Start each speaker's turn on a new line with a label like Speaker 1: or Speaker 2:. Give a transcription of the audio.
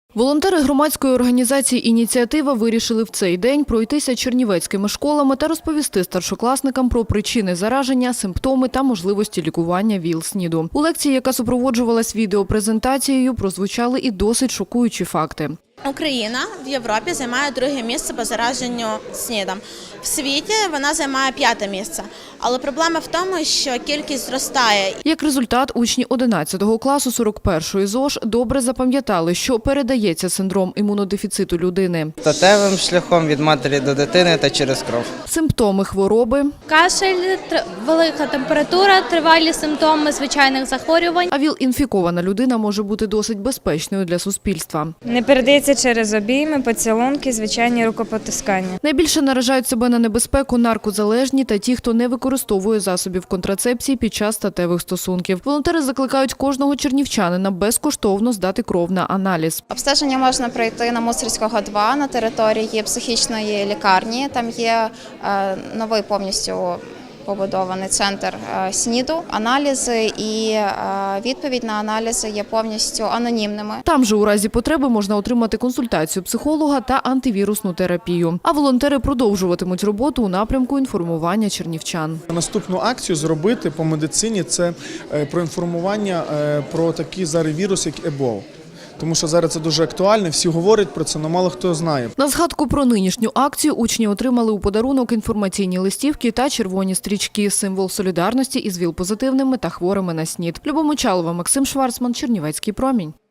Speaker 1: Волонтери громадської організації «Ініціатива» вирішили в цей день пройтися чернівецькими школами та розповісти старшокласникам про причини зараження, симптоми та можливості лікування ВІЛ-СНІДу. У лекції, яка супроводжувалась відеопрезентацією, прозвучали і досить шокуючі факти.
Speaker 2: Україна в Європі займає друге місце по зараженню СНІДом. В світі вона займає 5-те місце. Але проблема в тому, що кількість зростає.
Speaker 1: Як результат, учні 11 класу 41-ї ЗОЖ добре запам'ятали, що передається синдром імунодефіциту людини.
Speaker 3: Статевим шляхом від матері до дитини та через кров.
Speaker 1: Симптоми хвороби,
Speaker 4: кашель, велика температура, тривалі симптоми звичайних захворювань.
Speaker 1: а ВІЛ-інфікована людина може бути досить безпечною для суспільства.
Speaker 5: Не передається через обійми, поцілунки, звичайні рукопотискання.
Speaker 1: Найбільше наражають себе на небезпеку наркозалежні та ті, хто не використовує засобів контрацепції під час статевих стосунків. Волонтери закликають кожного чернівчанина безкоштовно здати кров на аналіз.
Speaker 6: Обстеження можна пройти на Мусорського, 2 на території психічної лікарні. Там є новий повністю побудований центр СНІДу. Аналізи і відповідь на аналізи є повністю анонімними.
Speaker 1: Там же у разі потреби можна отримати консультацію психолога та антивірусну терапію. А волонтери продовжуватимуть роботу у напрямку інформування чернівчан.
Speaker 7: Наступну акцію зробити по медицині – це проінформування про такий зараз вірус, як Ебола. Тому що зараз це дуже актуально, всі говорять про це, але мало хто знає.
Speaker 1: На згадку про нинішню акцію учні отримали у подарунок інформаційні листівки та червоні стрічки – символ солідарності із ВІЛ-позитивними та хворими на СНІД. Любов Мочалова, Максим Шварцман, Чернівецький промінь.